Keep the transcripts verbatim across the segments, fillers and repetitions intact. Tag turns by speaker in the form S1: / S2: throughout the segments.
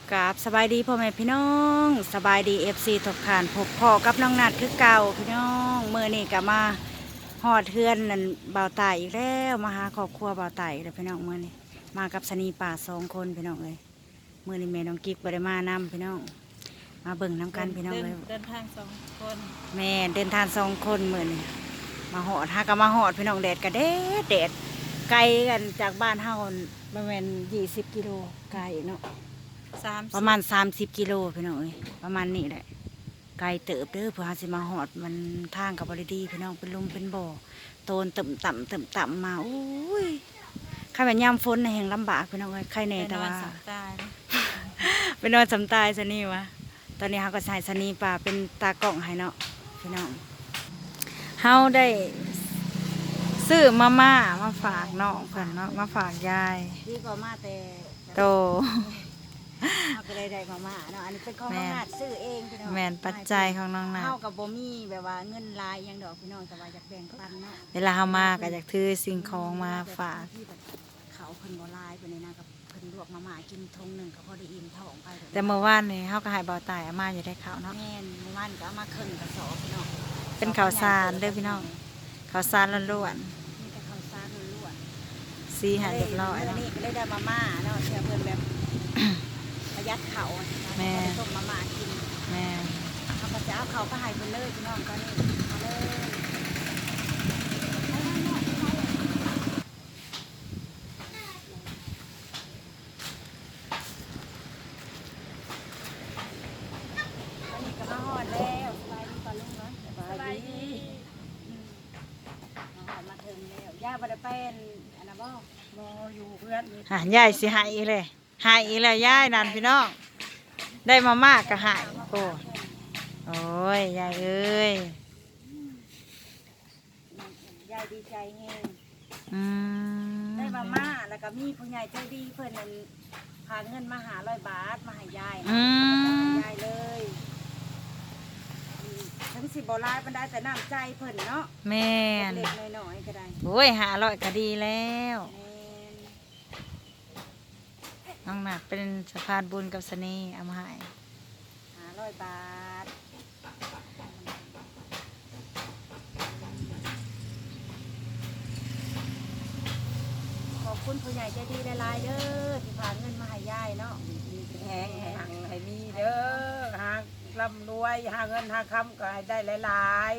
S1: กราบสบายดีพ่อแม่พี่น้องสบายดีเอฟซีทุกท่านพบพ่อกับน้องนัดคือเก่าพี่น้องเมื่อนี่ก็มาหอดเทือนนั่นบ่าวตายอีกแล้วมาหาครอบครัวบ่าวตายอีกแล้วพี่น้องเมื่อนี่มากับสนีป่าสองคนพี่น้องเลยเมื่อนี่แม่น้องกิ๊กบ่ได้มานำพี่น้องมาเบิ่งน้ำกันพี่น้องเลย
S2: เดินทางสองคน
S1: แม่เดินทางสองคนเมื่อนี่มาหอดหาก็มาหอดพี่น้องแดดก็แดดแดดไกลกันจากบ้านเฮาประมาณยี่สิบกิโลไกลเนาะ
S2: สาม
S1: ประมาณสามสิบกิโลพี่น้องเอ้ยประมาณนี้แหละไกลเติบเด้อเพื่อหาสิมาหอดมันทางกับบริดีพี่น้องเป็นลุมเป็นบ่อโตนต่ำต่ำต่ำต่ำมาอุ้ยใครแบบยามฝนแห่งลำบากพี่น้องเอ้ยใครแน่แต่ว่า
S2: สามตาย
S1: เป็นนอนสำตายซะนี่วะตอนนี้เขาก็ใส่สนีป่าเป็นตากล้องให้เนาะพี่น้องเฮาได้ซื้อมาม่ามาฝากน้องเพิ่นเนาะมาฝากยายดีกว่ามาแต่โตเขาก็เลยได้มาม่าเนาะอันนี้เป็นของน้องนาดซื้อเองพี่น้องแมนปัจจัยของน้องนาดเฮากับบ่มีแบบว่าเงินลายยังดอกพี่น้องแต่ว่าอยากแบ่งปันเนาะเวลาเฮามาก็อยากถือสิ่งของมาฝากเขาเพิ่นบ่ลายเพิ่นนี่นะกับเพิ่นลวกมาม่ากินทงหนึ่งก็พอได้อิ่มท้องไปแต่เมื่อวานนี่เฮาก็ให้เบาตายอามาอยู่ได้ข้าวเนาะแม่นเมื่อวานก็เอามาครึ่งกระสอบพี่น้องเป็นข้าวสารเด้อพี่น้องข้าวสารล้วนๆนี่ก็ข้าวสารล้วนๆสีหาเรียบร้อยแล้วนี่ก็ได้ได้มาม่าเนาะเชื่อเพิ่นแบบประหยัดเขาแม่ต้มมาม่ากินแม่เขาก็จะเอาเขาก็ให้เพิ่นเลยพี่น้องก็นี่มาเลยย่าบ่ได้เป็นอันนั้นบ่บ่อยู่เพื่อนหายายสิหายอีเลยหายอีเลยยายนั่นพี่น้องได้มามากก็หายโอ้โอ้ยยายเอ้ยยายดีใจแฮงอืมได้มาม่าแล้วก็มีผู้ใหญ่ใจดีเพิ่นนั่นพาเงินมาหาร้อยบาทมาให้ยายอืมยายเลยทั้งสิบ่ลายมันได้แต่น้ำใจเพิ่นเนาะแม่นเล็กน้อยๆก็ได้โอ้ยหาร้อยก็ดีแล้วน้องหนักเป็นสะพานบุญกับสนีเอามาให้หาร้อยบาทขอบคุณผู้ใหญ่ใจดีหลายๆเด้อที่พาเงินมาให้ยายเนาะแหงให้หังให้มีเด้อหาร่ำรวยหาเงินหาคำก็ให้ได้หลาย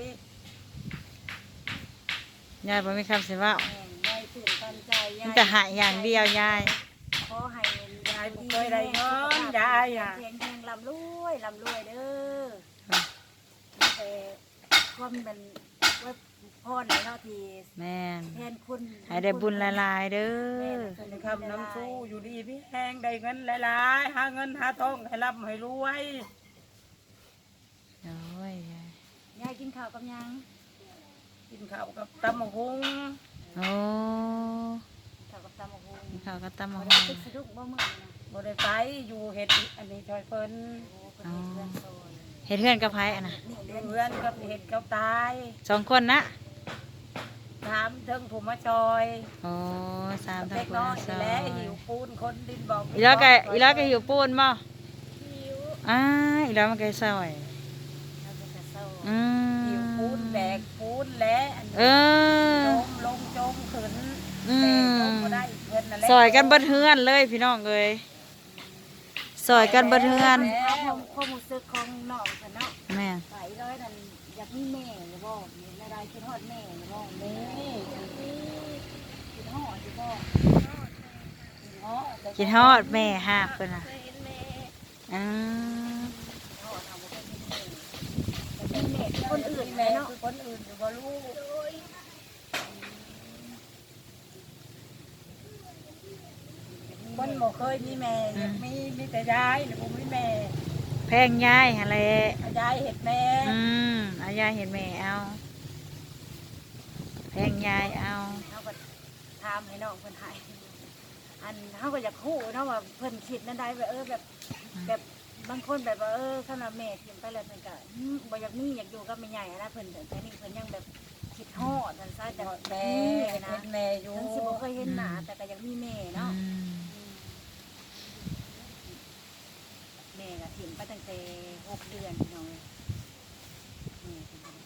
S1: ๆยายบ่มีคำสิว่ายายตื่นตันใจยายจะหายอย่างเดียวยายขอให้ยายเคยได้เงินยายอ่ะแข็งแรงลำรวยลำรวยเด้อแต่ความเป็นว่าพ่อไหนเนาะทีแม่แทนคุณให้ได้บุญหลายๆเด้อคำน้ำสู้อยู่ดีพี่แห้งได้เงินหลายๆหาเงินหาทองให้ร่ำให้รวยโอ้ยยายยายกินข้าวกับยังกินข้าวกับตำมะฮุงโอ้ข้าวกับตำมะฮุงข้าวกับตำมะฮุงสะดุ้งบ่มื้อนะบ่ได้ไปอยู่เฮ็ดอันนี้ช่วยเพิ่นเฮ็ดเพื่อนกับไผอ่ะนะเพื่อนกับเฮ็ดกับตายสองคนนะถามถึงผู้มาซอยโอ้สามทั้งผู้มาซอยแล้วหิวปูนคนดินบอกอีแล้วก็อีแล้วก็หิวปูนบ่หิวอ่าอีแล้วมันก็ซอยอืมหิวปูนแบกปูนและเออลงลงจมขึ้นอืมซอยกันเบิดเฮือนเลยพี่น้องเอ้ยซอยกันเบิดเฮือนความรู้สึกของน้องฉันเนาะแม่ไปเลยนั่นอยากมีแม่หรือบ่ในใดคิดฮอดแม่หรือบ่แม่คิดฮอดหรือบ่คิดฮอดแม่ฮะเพิ่นน่ะอืมคนอื่นแม่เนาะคนอื่นหรือบ่ลูกคนบ่เคยมีแม่มีมีแต่ยายหรือบ่มีแม่แพงยายอะไรยายเห็ดแม่อืมเอายายเห็ดแม่เอาแพงยายเอาเขาก็ทำให้น้องเพิ่นให้อันเขาก็อยากคู่เนาะว่าเพิ่นคิดนั่นได้แบบเออแบบแบบบางคนแบบว่าเออขนาดแม่กินไปแล้วเพิ่นก็บ่อยากมีอยากอยู่กับแม่ใหญ่นะเพิ่นแต่นี่เพิ่นยังแบบคิดฮอดนั่นซะแต่แม่นะแม่อยู่ทั้งสิบ่เคยเห็นหน้าแต่ก็ยังมีแม่เนาะก็ถิ่มไปตั้งแต่หกเดือนพี่น้องเลยนี่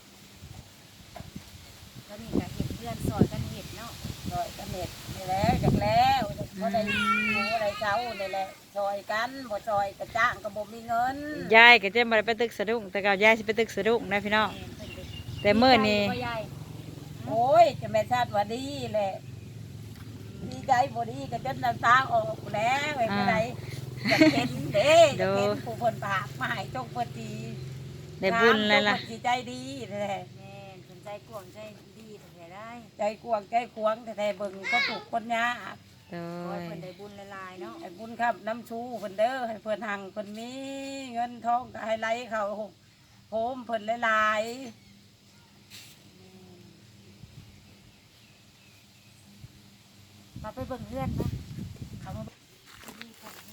S1: แล้วนี่ก็เห็ดเพื่อนซอยกันเห็ดเนาะซอยกันเห็ดนี่แหละจากแล้วเขาได้หมูอะไรเช้านี่แหละซอยกันบ่ซอยกระจ้างก็บ่มีเงิน
S2: ยายก็จะมาไปตึกสะดุ้งแต่เก่ายายสิไปตึกสะดุ้งนะพี่น้องแต่เมื่อนี้
S1: โอ้ยจะแม่ชาติว่าดีแหละดีใจบ่ดีก็จนน้ำตาออกแล้วไอ้ผู้ใดจะเห็นเด้จะเห็นผู้เพิ่นปากมาให้จงเพิ่นดี
S2: ได้บุญเลยล่ะ
S1: จงเพิ่นสิใจดีแท้แม่นเพิ่นใจกว้างใจดีแท้ได้ใจกว้างใจขวางแท้ๆเบิ่งก็ถูกคนยาก
S2: โด
S1: ขอให้
S2: ย
S1: เพิ่นได้บุญหลายๆเนาะให้บุญครับน้ำชูเพิ่นเด้อให้เพิ่นหังเพิ่นมีเงินทองก็ให้ไหลเข้าโฮมเพิ่นหลายๆมาไปเบิ่งเพื่อนปะเขามานี่ก่อน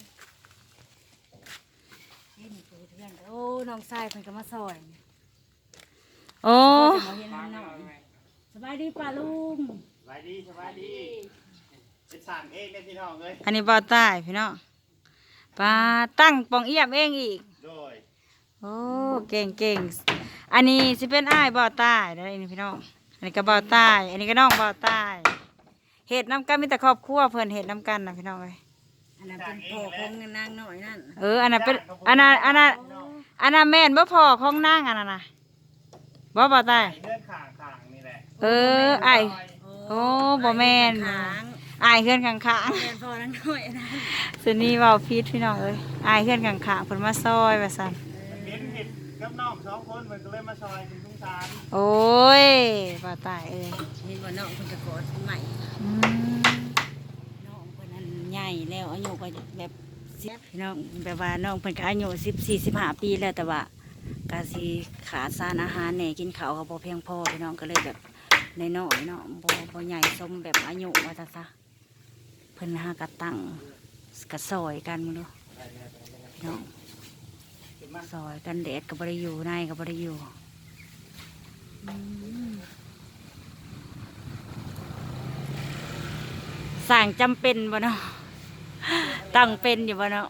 S1: นี่นี่คือเพื่อนโอ้น้องชายเพิ่นก็มาซอย
S2: โอ้
S1: จะมาเห็นน้องหน่อยสบายดีป่าลุง
S3: สบายดีสบายดีเป็นสั่งเองได้พี่น้องเลย
S2: อันนี้บ่อใต้พี่น้องปลาตั้งปองเอี่ยมเองอีก
S3: โดย
S2: โอ้เก่งเก่งอันนี้สิเป็นอ้ายบ่อใต้ได้อนี่พี่น้องอันนี้ก็บ่อใต้อันนี้ก็น้องบ่อใต้เห็ดน้ำกันมีแต่ครอบครัวเพิ่นเห็ดน้ำกันนะพี่น้องเอ้ย
S1: อันนั้นเป็นพ่อของนางหน่อยนั่น
S2: เอออันนั้นเป็นอันนั้นอันนั้นอันนั้นแม่นบ่พอของนางอันนั้นน่ะบ่บ่อใต้
S3: เลื่อนข่างข่างนี่แหละ
S2: เอออ้ายโอ้บ่แม่น
S1: ค้าง
S2: อ้ายเฮือนข้าง
S1: แม่นพ่อนางหน่อยนะ
S2: ๆสุนี่เว้าผิดพี่น้องเอ้ยอ้ายเฮือนข้างๆเพิ่นมาซอยว่าซั่น
S3: มันเห็นเห็ดกับน้องสองคนมันก็เลยมาซอยเป็นทุงสาร
S2: โอ้ยบ่อใต้เอ้ย
S1: เห็นว่าน้องเพิ่นจะกอดใหม่
S2: อืม
S1: น้องเพิ่นนั้นใหญ่แล้วอายุก็แบบสิบน้องแบบว่าน้องเพิ่นก็อายุสิบสี่สิบห้าปีแล้วแต่ว่าก็สิขาดสารอาหารแหน่กินข้าวก็บ่เพียงพอพี่น้องก็เลยแบบน้อยๆเนาะบ่บ่ใหญ่สมแบบอายุว่าซะซะเพิ่นหากระตั้งกระซอยกันมึงดูพี่น้องซอยกันแดดก็บ่ได้อยู่ในก็บ่ได้อยู่อืมสร้างจำเป็นบ่เนาะตั้งเป็นอยู่บ่เนาะ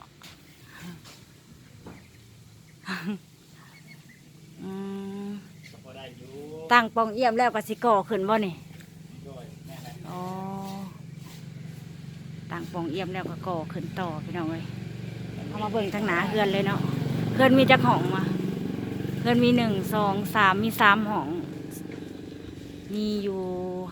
S1: อืม
S3: ก็พอได้อยู่
S2: ตั้งปองเอี่ยมแล้วก็สิก่อขึ้นบ่นี่
S3: โดยแม่แหละ
S2: อ๋อตั้งปองเอี่ยมแล้วก็ก่อขึ้นต่อพี่น้องเอ้ยเอามาเบิ่งทางหนาเฮือนเลยเนาะเฮือนมีจักห้องมาเฮือนมีหนึ่งสองสามมีสามห้องมีอยู่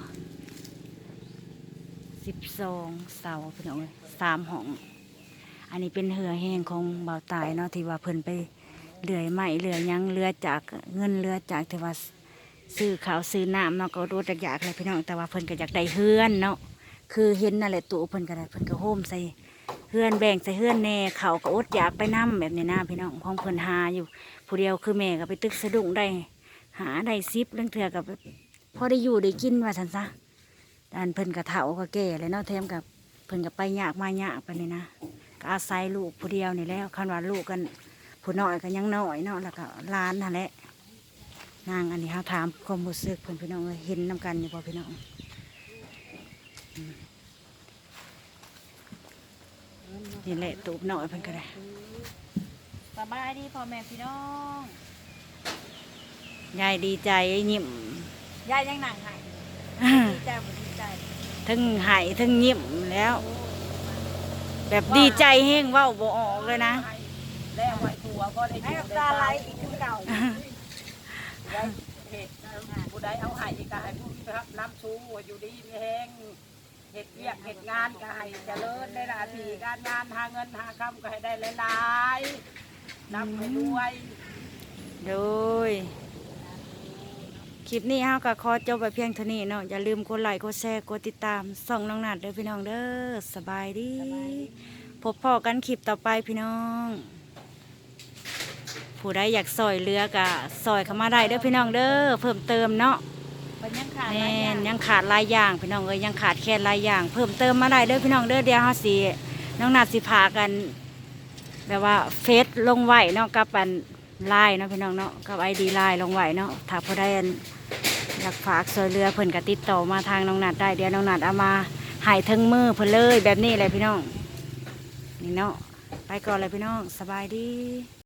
S2: สิบสองเสาพี่น้องเอ้ยสามห้องอันนี้เป็นเหือแห้งของเบาตายเนาะที่ว่าเพิ่นไปเลื่อยไม้เลื่อยหยังเรือจากเงินเรือจากที่ว่าซื้อข้าวซื้อน้ำเนาะก็รู้จักอยากเลยพี่น้องแต่ว่าเพิ่นก็อยากได้เฮือนเนาะคือเห็นนั่นแหละตัวเพิ่นก็ได้เพิ่นก็โฮมใส่เฮือนแบ่งใส่เฮือนแน่เขาก็อดอยากไปน้ำแบบนี้นะพี่น้องของเพิ่นหาอยู่ผู้เดียวคือแม่ก็ไปตึกสะดุ้งได้หาได้ซิปเรื่องเถื่อกับพอได้อยู่ได้กินว่าสันซะอันเพิ่นก็เฒ่าก็แก่เลยเนาะแถมกับเพิ่นก็ไปยากมายากไปนี่นะก็อาศัยลูกผู้เดียวนี่แล้วคันว่าลูกกันผู้น้อยก็ยังน้อยเนาะแล้วก็หล้านนั่นแหละนางอันนี้เขาถามความรู้สึกเพิ่นพี่น้องเอ้ยเห็นน้ำกันอยู่บ่พี่น้องอืมนี่แหละตูบน้อยเพิ่นก็ได้
S1: สบายดีพ่อแม่พี่น้อง
S2: ยายดีใจยิ้ม
S1: ยายยังหนังหายดีใจบ่ดีใจ
S2: ทั้งหายทั้งยิ้มแล้ว แบบดีใจแห้งเว้าบ่ออกเลยนะ
S1: แล้วไหวตัวพอได้อยู่ได้ตาไหลอีกคือเก่าได้เห็ดผู้ใดเอาให้ก็ให้ผู้ครับน้ำชูอยู่ดีมีแห้งเห็ดเวียกเห็ดงานก็ให้เจริญในหน้าที่การงานหาเงินหาคำก็ให้ได้หลายๆนำไปด้วย
S2: โดยคลิปนี้เฮาก็ขอจบไปเพียงเท่านี้เนาะอย่าลืมกดไลค์กดแชร์กดติดตามส่องน้องนัดเด้อพี่น้องเด้อสบายดีพบพ่อกันคลิปต่อไปพี่น้อง ผู้ใดอยากซอยเรือกะซอยเข้ามาได้เด้อพี่น้องเด้อเพิ่มเติมเนาะ
S1: มันยังขาด
S2: แม่นยังขาดหลายอย่างพี่น้องเอ้ยยังขาดแค่หลายอย่าง เพิ่มเติมมาได้เด้อพี่น้องเด้อเดี๋ยวเฮาสิน้องนัดสิพากัน แบบว่าเฟซลงไหวเนาะกับอันไลน์เนาะพี่น้องเนาะกับไอดีไลน์ลงไหวเนาะถ้าผู้ใดอันอยากฝากซอยเรือเพิ่นก็ติดต่อมาทางน้องนัดได้เดี๋ยวน้องนัดเอามาให้ถึงมือเพิ่นเลยแบบนี้เลยพี่น้องนี่เนาะไปก่อนเลยพี่น้องสบายดี